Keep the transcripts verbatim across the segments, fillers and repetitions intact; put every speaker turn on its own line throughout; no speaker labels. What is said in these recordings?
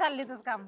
चाललीतच काम.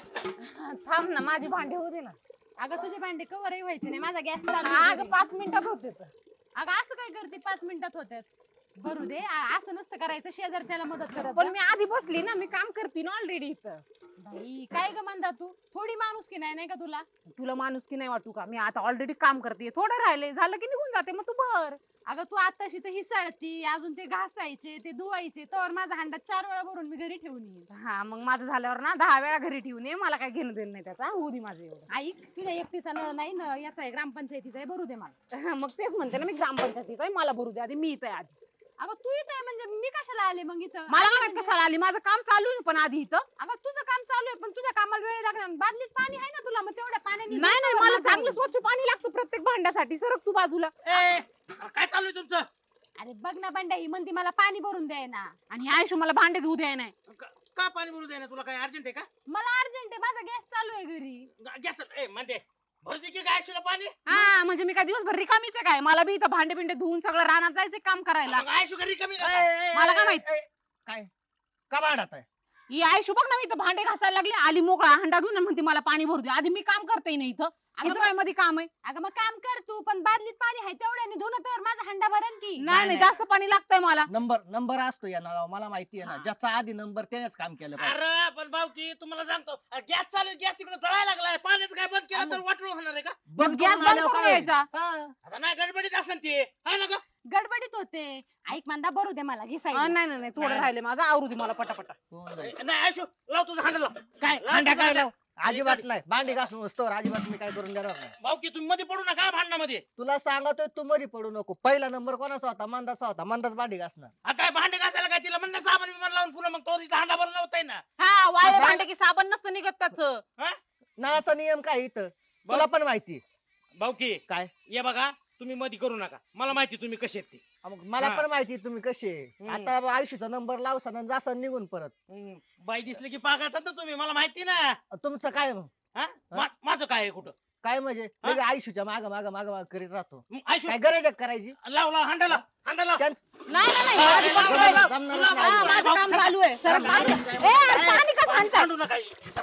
थांब ना, माझी भांडी होऊ दे ना.
अगं तुझे भांडे कवरही व्हायचे नाही, माझा गॅस चालू
अगं पाच मिनिटात होते तर.
अगं असं काय करते, पाच मिनिटात होत्यात. भरू दे, आ- असं नसतं करायचं, शेजारच्याला मदत करत
पण
जा.
मी आधी बसली ना, मी काम करते ना ऑलरेडी इथं.
बाई काय ग म्हणता तू, थोडी माणूस की नाही नाही का तुला.
तुला माणूस की नाही वाटू का, मी आता ऑलरेडी काम करते, थोडं राहिले झालं की निघून जाते, मग तू भर.
अगं तू आताशी तर हिसळती, अजून ते घासायचे ते धुवायचे, तर माझा हांडा चार वेळा भरून मी घरी ठेवून येईन.
हा मग माझं झाल्यावर ना दहा वेळा घरी ठेवून ये, मला काय घेणं देणं नाही त्याचा, होऊ दे माझं एवढं.
ऐक, तुझ्या एकटीचा नळ नाही ना, याचा आहे ग्रामपंचायतीचा आहे, भरू दे मला.
मग तेच म्हणते ना, मी ग्रामपंचायतीचा आहे, मला भरू दे आधी, मी इथं आहे आधी.
अगं तू इथं आहे म्हणजे मी कशाला आले मग इथं.
मला
आले
काय माहित
म्हणजे-
कशाला आली, माझं काम चालू आहे पण आधी इथं.
अगं तुझं काम चालू आहे पण तुझ्या कामाला वेळ लागणार, बादलीत पाणी आहे ना तुला, मग तेवढ्या पाण्याने
नाही नाही, मला
माझं
चांगलं स्वच्छ पाणी लागतं प्रत्येक भांड्यासाठी, सरक तू बाजूला.
ए, काय चालू आहे तुमचं?
अरे बघ ना बंड्या, ही म्हणती मला पाणी भरून द्याय ना.
आणि आयुष्य मला भांडे धुऊ द्याय नाही.
का का पाणी भरू दे ना, तुला काय अर्जंट आहे का?
मला अर्जंट आहे, माझा गॅस चालू आहे घरी.
गॅस ए म्हणते भरू दे की काय शिला पाणी?
हा म्हणजे मी काय दिवसभर रिकामीच आहे काय, मला बी इथं भांडे बिंडे धुवून सगळं रानात जायचं काम करायला.
मग आयशू घरी कमी
मला काय माहित?
काय का भांडत आहे?
ही आयुष्य बघ ना, मी इथं भांडे घासायला लागले, आली मोकळा हंडा घेऊन आणि म्हणते मला पाणी भरू दे. आधी मी काम करते ना इथं, इथं काय मध्ये काम आहे?
अगं मग काम कर तू, पण बादलीत पाणी आहे तेवढ्याने धुणं तर माझा हंडा भरण की.
नाही नाही, जास्त पाणी लागतंय मला.
नंबर नंबर असतो या नळावर, मला माहिती आहे ना, ज्याचा आधी नंबर त्यानेच काम केलं पाहिजे.
अरे पण भाऊ की तुम्हाला सांगतो, गॅस चालू गॅस तिकडे जळायला लागलाय, पाण्याचं काय बंद केलं तर वाटलं होणार आहे का?
बंद
गॅस
करून
बंद
आल्यावर
करून
काय?
यायचा.
हा.
आता नाही गडबडीत असेल ते, हाय ना ग?
गडबडीत होते. ऐक मंदा, भरू दे मला, घे
हा,
साईड.
नाही नाही नाही, थोडं राहिले माझं, आवरू दे मला पटापटा.
होऊन जाईल.
नाही आयशू लाव तुझं हांडा लाव.
काय
लाव
भांड्या
तुझं
काय
हांडा.
लाव? अजिबात नाही, भांडी घासून वस्तूवर अजिबात मी काय करून देणार नाही.
भाऊ की तुम्ही मध्ये पडू नका भांडणामध्ये.
तुला सांगतोय तू मध्ये पडू नको. पहिला नंबर कोणाचा होता? मंदाचा होता, मंदाच भांडी घासणार.
हा काय भांडे घासायला काय तिला म्हणलं साबण बिबण लावून पुन्हा मग तो तिचा हांडा भरून नव्हताय ना.
हा, वाळे
बाय-
भांडे की साबण नसतं निघत त्याच.
हा
नळाचा नियम काय इथं तुला पण माहिती.
भाऊ की
काय
ये बघा, तुम्ही मध्ये करू नका, मला माहिती तुम्ही कसे आहेत ते.
मग मला
हा.
पण माहिती तुम्ही कसे.
हम्म.
आता आयुष्याचा नंबर लावसान आणि जासन निघून परत.
हम्म, बाई दिसली की पागळतात ना तुम्ही, मला माहिती ना.
तुमचं काय मग?
हा? मा- माझं काय आहे कुठं?
काय म्हणजे
हा?
लगे आयुष्याच्या माग माग माग माग करीत राहतो.
मग आयशू
काय गरज आहे करायची?
लाव लाव हांडा लाव हांडा लाव.
त्यांचं-
नाही नाही नाही,
हा,
आधी
लाव,
पकडून
लाव,
राहिलं.
लाव,
जमणारच
लाव,
नाही.
हा,
लाव,
माझं
लाव,
काम
लाव.
चालू आहे. सर,
लाव,
पाणी-
लाव,
ए, अरे, पाणी का सांडताय?
सांडू नका.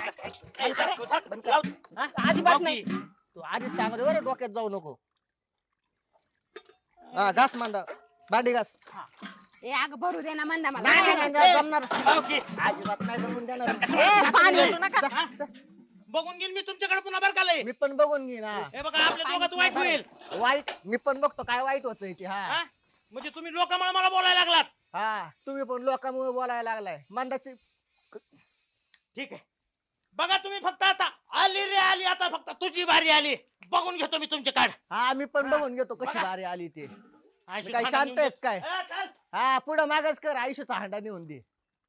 ए, सांड, सांड, लाव. हा?
अजिबात
भाऊ
नाही.
की,
तू आधीच सांगतो बरं, डोक्यात जाऊ नको. हा घास मांदा, भांडी घास.
ए अगं भरू दे ना मंदा मला.
नाही नाही,
नाही,
नाही,
ए,
जमणार
भाऊ की,
अजिबात नाही जमून देणार.
ए, पाणी ओतू नका.
हा? बघून घेईन मी तुमच्याकडे पुन्हा बरं का लय.
मी पण बघून घेईन. हा.
हे बघा आपल्या दोघात वाईट होईल.
वाईट मी पण बघतो काय वाईट होत ते. हा
हा? म्हणजे तुम्ही लोकांमुळे मला बोलायला लागलात.
हा तुम्ही पण लोकांमुळे बोलायला लागलाय. मंदाची
ठीक आहे, बघा तुम्ही फक्त आता आली रे आली, आता फक्त तुझी बारी आली, बघून घेतो मी तुमचे कार्ड.
हा मी पण
हा.
बघून घेतो कशी
बघा.
बारी आली ते.
आयशू
काय
हांडा
शांत
नेऊन
आहेत
दे.
काय?
ए, चल.
हा पुढं मागच कर, आयुष्याचा हांडा नेऊन दे.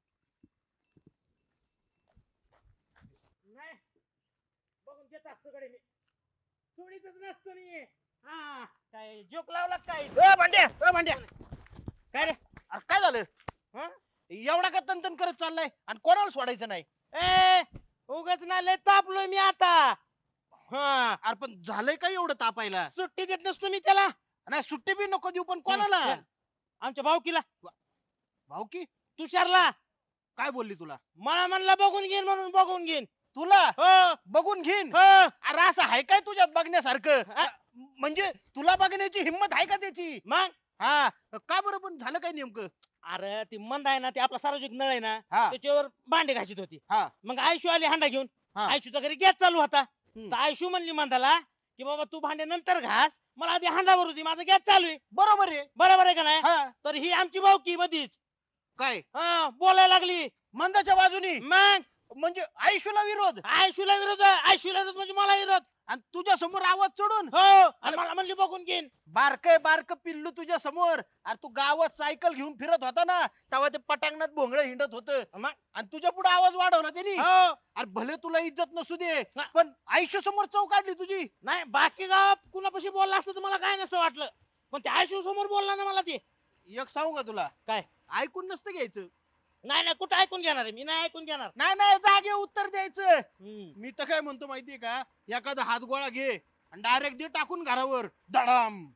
नाही, बघून घेत असतो कडे मी, सोडीतच नसतो मी. हा काय जोक लावला काय?
ए भांड्या ए भांड्या,
काय रे?
अरे काय झालं?
हं?
एवढा का तनतन करत चाललाय आणि कोणाला सोडायचं नाही?
ए उगाच ना लय तापलोय मी आता. हा
अरे पण झालंय काय एवढं तापायला?
सुट्टी देत नसतो मी त्याला.
नाही सुट्टी बी नको देऊ, पण कोणाला?
हं. आमच्या भाऊकीला,
भाऊ की
तुषारला.
काय बोलली तुला?
मला म्हणला बघून घेईन म्हणून बघून घेईन.
तुला
हो
बघून घेईन?
हो.
अरे असं आहे काय तुझ्यात बघण्यासारखं?
हा?
म्हणजे तुला बघण्याची हिंमत आहे का त्याची?
मग
हा का बरं, पण झालं काय नेमकं?
अरे ती मंद आहे ना, ते आपला सार्वजनिक नळ आहे ना,
हा
त्याच्यावर भांडे घासीत होती.
हा
मग आयशू आली हांडा घेऊन.
हा.
आयशूचा घरी गॅस चालू होता.
हम्म.
तर आयशू म्हणली मंदाला की बाबा तू भांडे नंतर घास, मला आधी हांडा भरू दे, माझा गॅस चालू आहे.
बरोबर आहे.
बरोबर आहे का नाही?
हा
तर ही आमची भाऊकी मधीच
काय
हा बोलायला लागली.
मंदाच्या बाजूनी?
मग
म्हणजे आयुष्याला विरोध?
आयशूला विरोध, आयशूला विरोध म्हणजे मला विरोध.
आणि तुझ्या समोर आवाज चढून?
हो, आणि मला म्हणली बघून घेईन.
बारक बारक पिल्लू तुझ्या समोर. अरे तू गावात सायकल घेऊन फिरत होता ना, तेव्हा ते पटांगणात भोंगळ हिंडत होत,
मग
आणि तुझ्या पुढे आवाज वाढवला त्यांनी.
हो.
अरे भले तुला इज्जत नसू दे,
हा.
पण आयुष्य समोर चौ काढली तुझी.
नाही बाकी गावात कुणापाशी बोलला असतं तर मला काय नसतं वाटलं, पण त्या आयशू समोर बोलला ना मला ते.
एक सांगू का तुला?
काय?
ऐकून नसतं घ्यायचं.
नाही नाही, कुठं ऐकून घेणार आहे मी? नाही ऐकून घेणार.
नाही नाही, जागे उत्तर द्यायचं.
हम्म.
मी तर काय म्हणतो माहितीये का, एखादा हातगोळा घे आणि डायरेक्ट दे टाकून घरावर धडाम.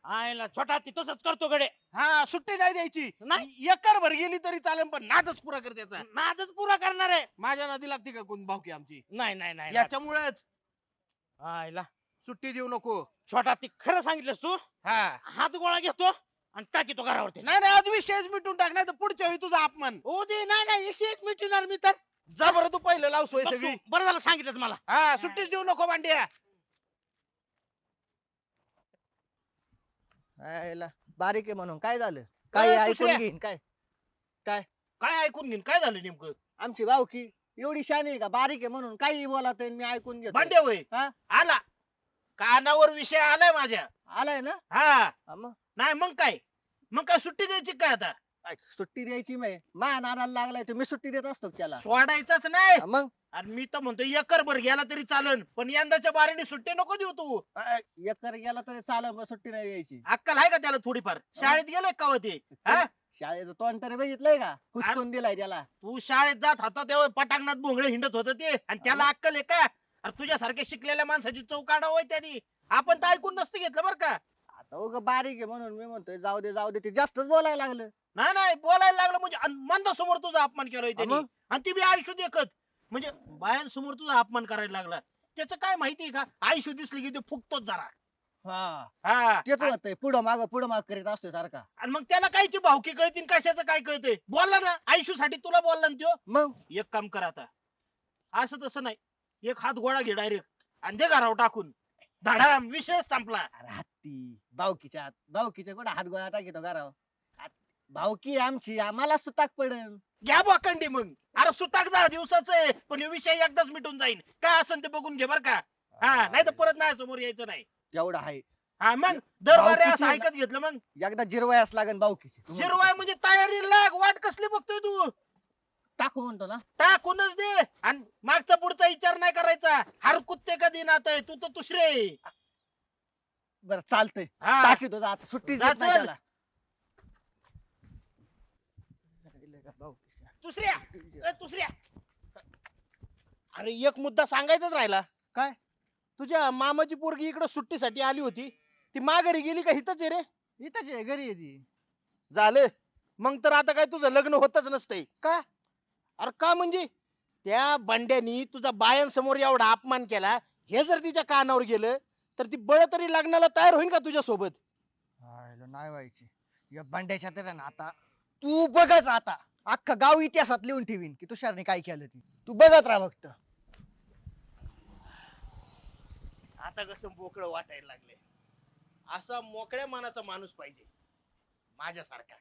आयला छोटा ती तसंच करतो गडे.
हा सुट्टी नाही द्यायची.
नाही.
एकर भर गेली तरी चालेल पण नादच पुरा कर त्याचा.
नादच पुरा करणार आहे.
माझ्या नादी लागते का कोण भावकी आमची?
नाही नाही नाही.
याच्यामुळेच
आयला
सुट्टी देऊ नको.
छोटा ती खरं सांगितलंस तू.
हा
हात गोळा घेतो आणि टाकीतो घरावरती.
नाही नाही आज विषयच मिटून टाक नाही तर पुढच्या वेळी तुझा अपमान.
हो दे. नाही नाही एकशे मिटणार मी तर.
जा बरं तू पहिलं लाव सोय
बघ तू,
सगळी.
बरं झालं सांगितलं मला.
हा सुट्टीच देऊ नको भांड्या.
आयला, बारीक आहे म्हणून काय झालं? काय
अरे,
ऐकून
दुसऱ्या.
घेईन काय?
काय ऐकून घेईन काय झालं नेमकं?
आमची भावकी एवढी शानी आहे का? बारीक आहे म्हणून काही बोलत मी ऐकून घेतो.
भांड्या होय
हा?
आला कानावर विषय आलाय माझ्या.
आलाय ना?
हा
हा मग
नाही मग काय मग काय सुट्टी द्यायची काय आता?
ऐक, सुट्टी द्यायची मी मा नादाला लागलाय तो, मी सुट्टी देत असतो का त्याला?
सोडायचंच नाही.
हा मग
आणि मी तर म्हणतो एकर भर गेला तरी चालन पण यंदाच्या बारीने सुट्टी नको देऊ तू.
अ, एकर गेला तरी चालेल पण सुट्टी नाही द्यायची.
अक्कल आहे का त्याला थोडीफार? शाळेत गेलाय का हो ते? हा?
शाळेचं तोंड तरी बघितलंय का? हुसकून दिलाय त्याला.
तू शाळेत जात होता तेव्हा पटांगणात भोंगळे हिंडत होत ते आणि त्याला अक्कल आहे का? अरे तुझ्यासारख्या शिकलेल्या माणसाची चौक काढावं त्यांनी. आपण तर ऐकून नसतं घेतलं बरं का.
आता उग बारीक आहे म्हणून मी म्हणतोय जाऊ दे जाऊ दे, ते जास्तच बोलायला लागलं.
नाही नाही बोलायला लागलं म्हणजे आणि मंदासमोर तुझा अपमान केलाय त्यांनी.
मग?
आणि ती बी आयुष्य देखत म्हणजे बायांसमोर तुझा अपमान करायला लागला. त्याचं काय माहितीये का? आयुष्य दिसली की ते फुकतोच जरा.
हा
हा
तेच होतंय, पुढं माग पुढं माग करीत असतोय सारखा.
आणि मग त्याला कायची भावकी कळतील कशाचं काय कळतंय? बोलला ना आयुष्यासाठी तुला बोलला ना त्यो.
मग
एक काम कर आता असं तसं नाही एक हात गोळा घे डायरेक्ट आणि दे घरावर टाकून धडाम विषय संपला.
अरे हत्ती भावकीच्या हात भावकीच्या कुठं हात गोळा टाकीतो घरावर? भावकी आहे आमची, आम्हाला सुताक पडन.
घ्या बोकंडी मग. अरे सुताक दहा दिवसाचं आहे पण ह्यो विषय एकदाच मिटून जाईल. काय असेल ते बघून घे बर का. हा नाही तर परत नाही समोर यायचं नाही.
तेवढं आहे.
हा मग दरबारे
भावकीची
असं
ना-
ऐकत घेतलं मग
एकदा जिरवायस लागन भावकीची.
जिरवाय म्हणजे तयारी लाग. वाट कसली बघतोय तू?
टाकू म्हणतो ना.
टाकूनच दे आणि मागचा पुढचा विचार नाही करायचा. हर कुत्ते कधी नातय तू तर दुसरे.
बरं चालतंय,
हा
टाकीतो जा आता, सुट्टी
जा
देत नाही
चल.
त्याला.
दुसऱ्या ए, दुसऱ्या अरे एक मुद्दा सांगायचाच राहिला.
काय?
तुझ्या मामाची पोरगी इकडे सुट्टीसाठी आली होती. ती माघारी गेली का हितच आहे रे?
इथंच आहे, घरी आहे ती.
झालं मग तर आता काय तुझं लग्न होतच नसतंय.
का?
अरे का म्हणजे त्या बंड्यानी तुझा बायांसमोर एवढा अपमान केला हे जर तिच्या कानावर गेलं तर ती बळ तरी लग्नाला तयार होईल का तुझ्या सोबत?
हायला, नाही व्हायची या बंड्याच्या तर ना. आता तू बघच, आता अख्खा गाव इतिहासात लिहून ठेवीन की तुषारने काय केलं ती. तू बघत राहा फक्त.
आता कसं मोकळं वाटायला लागले. असा मोकळ्या मनाचा माणूस पाहिजे माझ्यासारखा.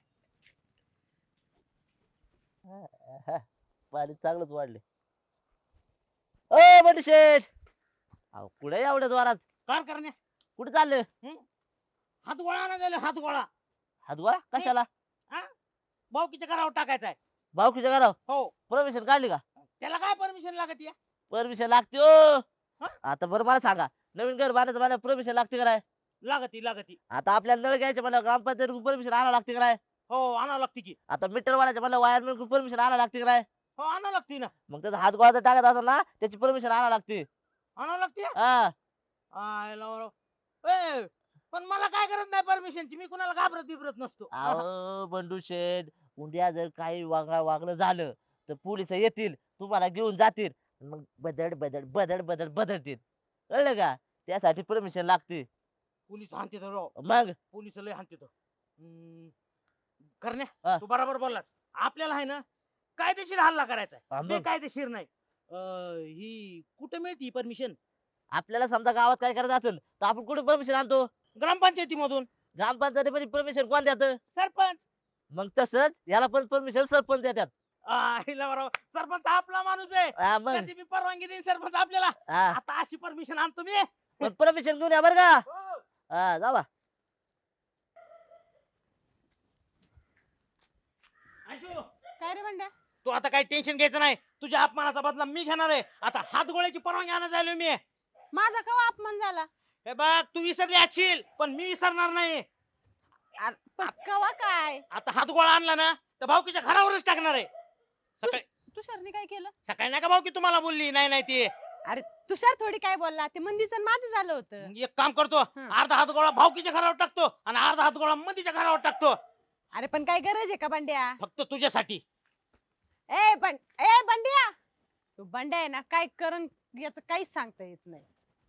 पाणी चांगलंच वाढले. ओ बंडी शेठ, अहो कुठे एवढ्या जोरात?
काय करण्या
कुठे चाललं?
हात गोळा ना गेले हात गोळा.
हातवा कशाला?
भाऊकीच्या घरावर टाकायचा आहे.
भाऊकीच्या घरावर
हो.
परमिशन काढली का?
त्याला काय परमिशन लागत या?
परमिशन लागते ओ.
हा?
आता बरं मला सांगा, नवीन घर बांधायचं मला परमिशन लागते का नाही?
लागती लागती.
आता आपल्याला नळ घ्यायचे मला ग्रामपंचायत परमिशन आणावं लागते का नाही?
हो आणावं लागते की.
आता मीटर वाढायचं मला वायरमॅन परमिशन आणावं लागते का नाही?
हो आणावं लागते ना.
मग त्याचा हात गोळा जर टाकत असेल ना त्याची परमिशन आणावं लागते.
आणावं लागते.
हा
आयला बरं. ए, पण मला काय करत नाही परमिशनची. मी कुणाला घाबरत बिबरत नसतो.
अहो बंडू शेठ, उद्या जर काही वागणं वागणं झालं तर पोलिस येतील, तुम्हाला घेऊन जातील, मग बदड बदड बदड बदड बदडतील. कळलं का? त्यासाठी परमिशन लागते.
पोलीस हाणते तर राव.
मग
पोलीस लय हाणते तर. हम्म, करण्या
हा.
तू बरोबर बोललास. आपल्याला आहे ना कायदेशीर हल्ला करायचा
हा,
आहे.
मग.
बेकायदेशीर नाही. अं, ही कुठे मिळती परमिशन?
आपल्याला समजा गावात काय करायचं असेल तर आपण कुठे परमिशन आणतो?
ग्रामपंचायतीमधून.
ग्रामपंचायतीमध्ये परमिशन कोण देत?
सरपंच.
मग तसंच याला पण परमिशन सरपंच देतात.
आईला बरोबर. सरपंच आपला माणूस आहे.
हा, मग
कधी बी परवानगी देईन सरपंच आपल्याला.
हा,
आता अशी परमिशन आणतो मी.
पण परमिशन घेऊन या बरं का. हा जावा.
आयशू,
काय रे बंड्या?
तू आता काही टेन्शन घ्यायचं नाही. तुझ्या अपमानाचा बदला मी घेणार आहे. आता हात गोळ्याची परवानगी आणायला जायलो मी.
माझा केव्हा अपमान झाला?
हे बघ तू विसरली असशील पण मी विसरणार नाही.
पण केव्हा काय?
आता हात गोळा आणला ना तर भाऊकीच्या घरावरच टाकणार आहे. सकाळी
तुषारने काय केलं?
सकाळी नाही का भाऊकी तुम्हाला बोलली नाही नाही ती.
अरे तुषार थोडी काय बोलला ते मंदीचं आणि माझं झालं होतं.
एक काम करतो,
हं.
अर्धा हात गोळा भावकीच्या घरावर टाकतो आणि अर्धा हात गोळा मंदीच्या घरावर टाकतो,
अरे पण काय गरज आहे का बंड्या?
फक्त तुझ्यासाठी.
ए बंड ए बंड्या, तू बंड्या आहे ना, काय करण याचं काहीच सांगता येत नाही.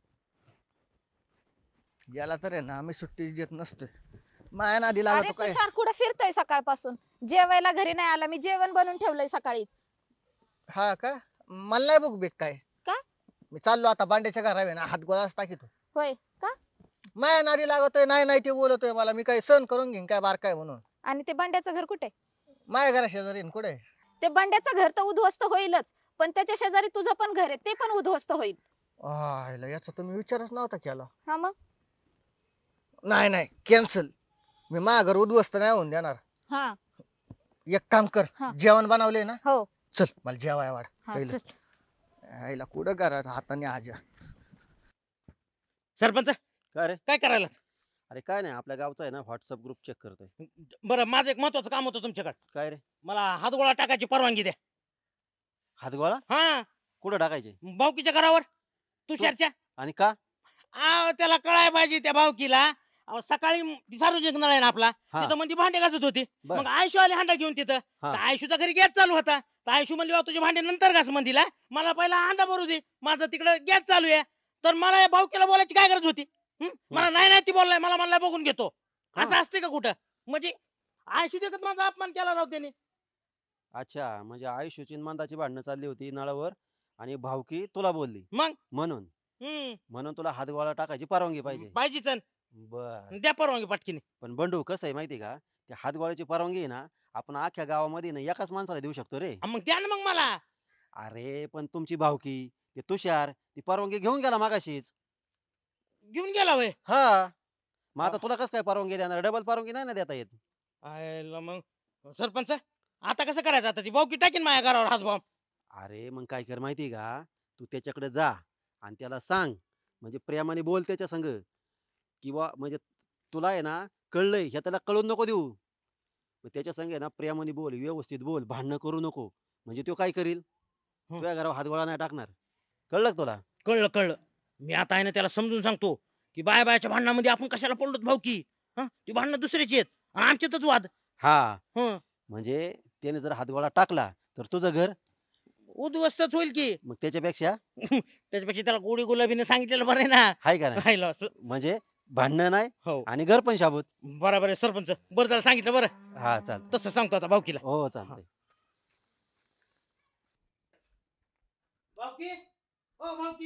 याला तर आहे ना आम्ही सुट्टी देत नसतोय. माया नादी
अरे
लागतो काय.
तुषार कुठं फिरतोय सकाळपासून? जेवायला घरी नाही आला, मी जेवण बनवून ठेवलंय सकाळी.
हा का, मला नाही बघ बेक काय.
का?
मी चाललो आता बांड्याच्या घरावर ना, हात गोळाच टाकीतो.
होय का?
माया नादी लागतोय, नाही नाही ते बोलतोय मला, मी काही सहन करून घेईन काय बारकाय म्हणून.
आणि ते बंड्याचं घर कुठे?
माया घरा शेजारी कुठे.
ते बंड्याचं घर तर उद्ध्वस्त होईलच, पण त्याच्या शेजारी तुझं पण घर आहे, ते पण उद्ध्वस्त होईल.
आयला याचा तुम्ही विचारच नव्हता केला.
हा मग?
नाही नाही कॅन्सल, मी माझ्या घर उद्ध्वस्त नाही होऊन देणार.
हा
एक काम कर,
हा.
जेवण बनवले ना,
हो.
चल मला जेवाय वाढ.
हा,
पहिलं.
चल.
आईला कुठं घरात हाताने आजा.
सरपंच
काय रे?
काय करायला?
अरे काय नाही, आपल्या गावचा आहे ना व्हॉट्सअप ग्रुप चेक करतोय.
बरं, माझं एक महत्वाचं काम होतं तुमच्याकडे.
काय रे?
मला हात गोळा टाकायची परवानगी द्या.
हातगोळा
हा,
कुठं टाकायचे
भावकीच्या घरावर, तुषारच्या.
आणि का?
आव, त्याला कळाय पाहिजे त्या भावकीला. अहो, सकाळी ती सार्वजनिक नळ आहे ना आपला,
हा.
तिथं म्हणजे भांडे घासत होती.
बर.
मग आयशू आली हांडा घेऊन तिथं.
हा.
तर आयशूचा घरी गॅस चालू होता. तर आयशू म्हणली "वा, तुझे भांडे नंतर घास मंदीला, मला पहिला हांडा भरू दे, माझं तिकडे गॅस चालू आहे." तर मला या भावकीला बोलायची काय गरज होती? हं? मला नाही नाही ती बोललाय, मला म्हणलाय बघून घेतो.
हा.
असं असते का कुठं? म्हणजे आयशू देखत माझा अपमान केला राव त्याने.
अच्छा, म्हणजे आयुष्याची आणि मंदाची भांडणं चालली होती नळावर आणि भावकी तुला बोलली
मग
म्हणून
हम्म
म्हणून तुला हातगोळा टाकायची परवानगी पाहिजे.
पाहिजेच अन.
बर.
द्या परवानगी पटकीने.
पण बंडू कसं आहे माहिती का, त्या हातगोळ्याची परवानगी आहे ना आपण अख्ख्या गावामध्ये ना एकाच माणसाला देऊ शकतो रे.
हा, मग द्या ना मग मला.
अरे पण तुमची भावकी ते तुषार ती परवानगी घेऊन गेला मागाशीच.
घेऊन गेला वय.
हा, मग आता तुला कसं काय परवानगी देणार? डबल परवानगी नाही ना देता येत.
आयला मग सरपंच आता कसं करायचं? आता ती भावकी टाकीन माझ्या घरावर हात बॉम्ब.
अरे मग काय कर माहिती का, तू त्याच्याकडे जा आणि त्याला सांग, म्हणजे प्रेमाने बोल त्याच्या संग, किंवा म्हणजे तुला आहे ना कळलंय हे त्याला कळून नको देऊ. मग त्याच्या संग आहे ना प्रेमाने बोल, व्यवस्थित बोल, भांडणं करू नको. म्हणजे तो काय करील, तुझ्या घरावर हातगोळा नाही टाकणार. कळलं का तुला?
कळलं कळलं. मी आता आहे ना त्याला समजून सांगतो की बाय बायच्या भांडणामध्ये आपण कशाला पडलो भावकी. हा, ती भांडणं दुसऱ्याची आहेत आणि आमच्यातच वाद.
हा,
हं,
म्हणजे त्याने जर हातगोळा टाकला तर तुझं घर,
उद्ध्वस्तच होईल की.
मग त्याच्यापेक्षा
त्याच्यापेक्षा त्याला गोडी गुलाबीने सांगितलेलं बरं आहे ना.
हाय का नाही?
राहिलं असं.
म्हणजे भांडणं नाही
हो,
आणि घर पण शाबूत.
बरोबर आहे सरपंच. बरं झालं सांगितलं. बरं
हा चाल.
तसं सांगतो आता भावकीला.
हो चालतंय.
भावकी, ओ भावकी.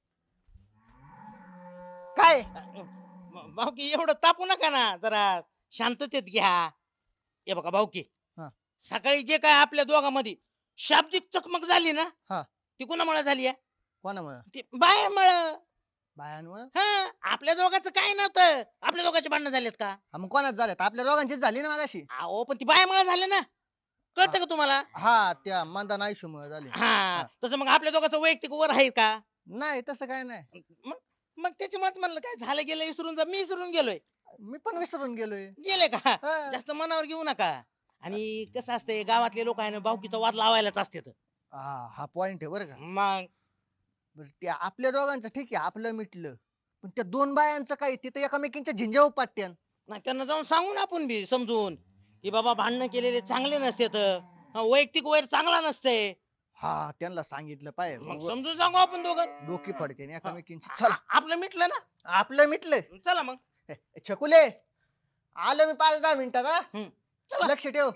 काय
म- भावकी एवढं तापू नका ना, जरा शांततेत घ्या. हे बघा भावकी,
हा.
सकाळी जे काय आपल्या दोघांमध्ये शाब्दिक चकमक झाली ना,
हा.
ती कुणामुळे झाली आहे?
कोणामुळे?
ती बायामुळे.
बायांमुळे?
हा, आपल्या दोघांचं काय नव्हतं. आपल्या दोघांचे भांडणं झालेत का?
हा, मग कोणाच झाल्यात? आपल्या दोघांचीच झाली ना मागाशी.
अहो पण ती बायामुळे झाले ना, कळतं का तुम्हाला?
हा, त्या मंदा नाईशू मुळे झाली.
हा, तसं मग आपल्या दोघांचं वैयक्तिक वर आहे का?
नाही तसं काय नाही,
मग मग त्याच्यामुळे म्हणलं काय झालं गेलं विसरून जा. मी विसरून गेलोय.
मी पण विसरून गेलोय.
गेले का?
हा.
जास्त मनावर घेऊ नका. आणि कसं असतंय, गावातले लोक आहे ना भावकीचा वाद लावायलाच असतात.
हा हा पॉइंट आहे बरं का.
मग
बरं, त्या आपल्या दोघांचं ठीक आहे, आपलं मिटलं, पण त्या दोन बायांचं काय, तिथं एकमेकींच्या झिंज्या उपाट्यान.
नाही, त्यांना जाऊन सांगू ना आपण बी समजून की बाबा भांडणं केलेले चांगले नसतात. वैयक्तिक वैर चांगला नसते.
हा, त्यांना सांगितलं पाहिजे.
मग समजून सांगू आपण दोघं.
डोकी फडते एकमेकींची. चला,
आ- आपलं मिटलं ना.
आपलं मिटलं.
चला मग.
ए, छकुले, आलो मी पाच दहा मिनिटात. हा?
हम्म. चला.
लक्ष ठेव.